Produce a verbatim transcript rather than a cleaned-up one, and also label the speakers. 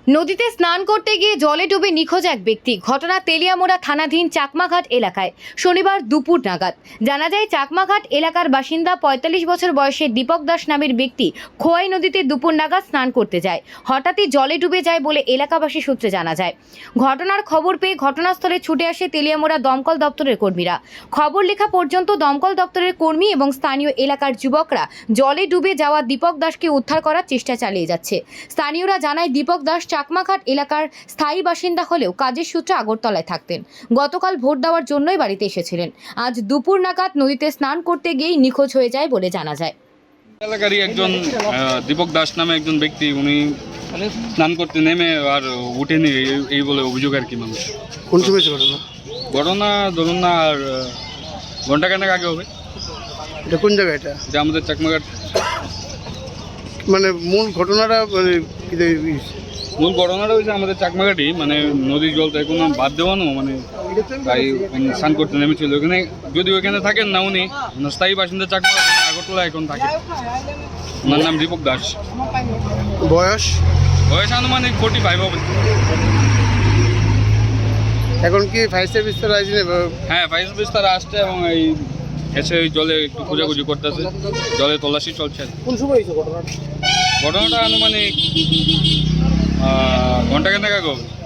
Speaker 1: নদীতে স্নান করতে গিয়ে জলে ডুবে নিখোঁজ এক ব্যক্তি। ঘটনা তেলিয়ামোড়া থানাধীন চাকমাঘাট এলাকায় শনিবার দুপুর নাগাদ। জানা যায়, চাকমাঘাট এলাকার বাসিন্দা পঁয়তাল্লিশ বছর বয়সের দীপক দাস নামের ব্যক্তি খোয়াই নদীতে দুপুর নাগাদ স্নান করতে যায়। হঠাৎই জলে ডুবে যায় বলে এলাকাবাসী সূত্রে জানা যায়। ঘটনার খবর পেয়ে ঘটনাস্থলে ছুটে আসে তেলিয়ামোড়া দমকল দপ্তরের কর্মীরা। খবর লেখা পর্যন্ত দমকল দপ্তরের কর্মী এবং স্থানীয় এলাকার যুবকরা জলে ডুবে যাওয়া দীপক দাসকে উদ্ধার করার চেষ্টা চালিয়ে যাচ্ছে। স্থানীয়রা জানায়, দীপক দাস চাকমাঘাট এলাকার স্থায়ী বাসিন্দা হলেও কাজের সূত্রে আগরতলায় থাকতেন। গতকাল ভোট দেওয়ার জন্যই বাড়িতে এসেছিলেন। আজ দুপুর নাগাদ নদীতে স্নান করতে গিয়েই নিখোঁজ হয়ে যায় বলে জানা যায়।
Speaker 2: এলাকারই একজন দীপক দাস নামে একজন ব্যক্তি, উনি স্নান করতে নেমে আর উঠেনি এই বলে অভিযোগ আর কি। মানুষ
Speaker 3: কোন সময় ঘটনা
Speaker 2: ঘটনা ধরুন না আর ঘন্টা খানেক আগে হবে।
Speaker 3: এটা কোন জায়গা? এটা
Speaker 2: এটা আমাদের চাকমাঘাট।
Speaker 3: মানে মূল ঘটনাটা মানে
Speaker 2: মূল ঘটনাটা হয়েছে আমাদের চাকমাঘাটই, মানে নদীর জল তো এখন বাদ দেওয়ানো, মানে তাই স্নান করতে নেমেছিল ওখানে। যদি ওখানে থাকেন না, উনি স্থায়ী বাসিন্দা চাকমাঘাট, আগরতলা এখন থাকে। ওনার নাম দীপক দাস।
Speaker 3: বয়স
Speaker 2: বয়স আনুমানিক ফোর্টি ফাইভ হবে।
Speaker 3: এখন কি ফায়ার সার্ভিস তো আসছে?
Speaker 2: হ্যাঁ, ফায়ার সার্ভিস তারা আসছে এবং এই এসে ওই জলে একটু খোঁজাখুঁজি করতেছে, জলে তল্লাশি চলছে।
Speaker 3: কোন সময় হয়েছে ঘটনাটা?
Speaker 2: ঘটনাটা আনুমানিক ঘন্টা খানেক আগে হবে।